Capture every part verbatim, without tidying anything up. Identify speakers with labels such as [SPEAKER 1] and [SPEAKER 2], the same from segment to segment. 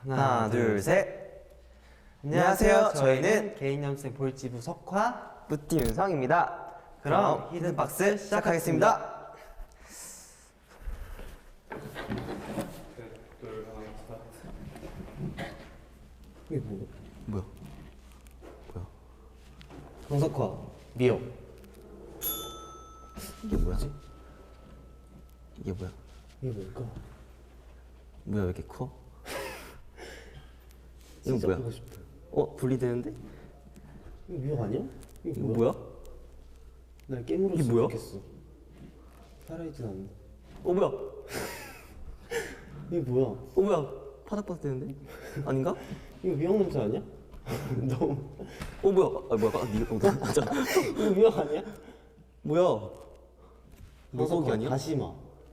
[SPEAKER 1] 하나, 둘, 셋. 안녕하세요. 저희는 개인연습생 볼지부 석화
[SPEAKER 2] 뿌띠 윤성입니다.
[SPEAKER 1] 그럼 히든박스 시작하겠습니다.
[SPEAKER 2] 이게 뭐?
[SPEAKER 1] 뭐야? 뭐야?
[SPEAKER 2] 정석화 미역.
[SPEAKER 1] 이게 뭐야? 이게 뭐야?
[SPEAKER 2] 이게 뭘까?
[SPEAKER 1] 뭐야 왜 이렇게 커? 이거
[SPEAKER 2] 진짜
[SPEAKER 1] 뭐야?
[SPEAKER 2] 보고 싶어.
[SPEAKER 1] 어? 분리되는데?
[SPEAKER 2] 이거 미역 아니야? 이게
[SPEAKER 1] 이거
[SPEAKER 2] 뭐야?
[SPEAKER 1] 뭐야?
[SPEAKER 2] 날 깨물었으면
[SPEAKER 1] 이게 뭐야?
[SPEAKER 2] 좋겠어. 살아있진 않는데.
[SPEAKER 1] 어 뭐야?
[SPEAKER 2] 이게 뭐야?
[SPEAKER 1] 어 뭐야? 파닥파닥 되는데? 아닌가?
[SPEAKER 2] 이거 미역 냄새 아니야? 너무.
[SPEAKER 1] 어 뭐야? 아 뭐야? 아 니가 어, 맞아.
[SPEAKER 2] 이거 미역 아니야?
[SPEAKER 1] 뭐야? 물고기 아니야?
[SPEAKER 2] 다시마.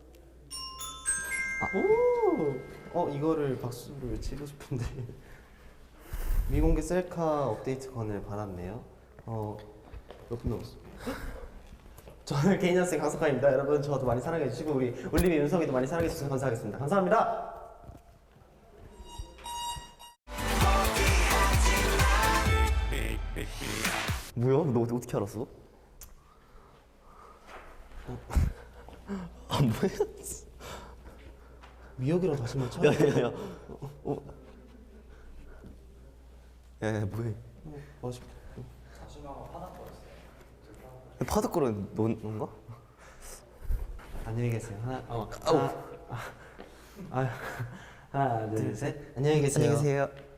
[SPEAKER 2] 아. 오! 어 이거를 박수를 치고 싶은데. 미공개 셀카 업데이트 건을 받았네요. 어, 몇 분 남았어? 저는 개인연습생 강석환입니다. 여러분 저도 많이 사랑해 주시고 우리 울림이 윤성이도 많이 사랑해 주셔서 감사하겠습니다. 감사합니다.
[SPEAKER 1] 뭐야? 너 어떻게 알았어? 안 보였어.
[SPEAKER 2] 미역이랑 다시마 쳐?
[SPEAKER 1] 야야야. 어? 야야 뭐해?
[SPEAKER 2] 어, 맛있.
[SPEAKER 1] 파닥거리는 넌가?
[SPEAKER 2] 안녕히 계세요. 하나, 어,
[SPEAKER 1] 아우.
[SPEAKER 2] 하나, 아, 하나, 둘, 셋. 안녕히 계세요.
[SPEAKER 1] 안녕히 계세요.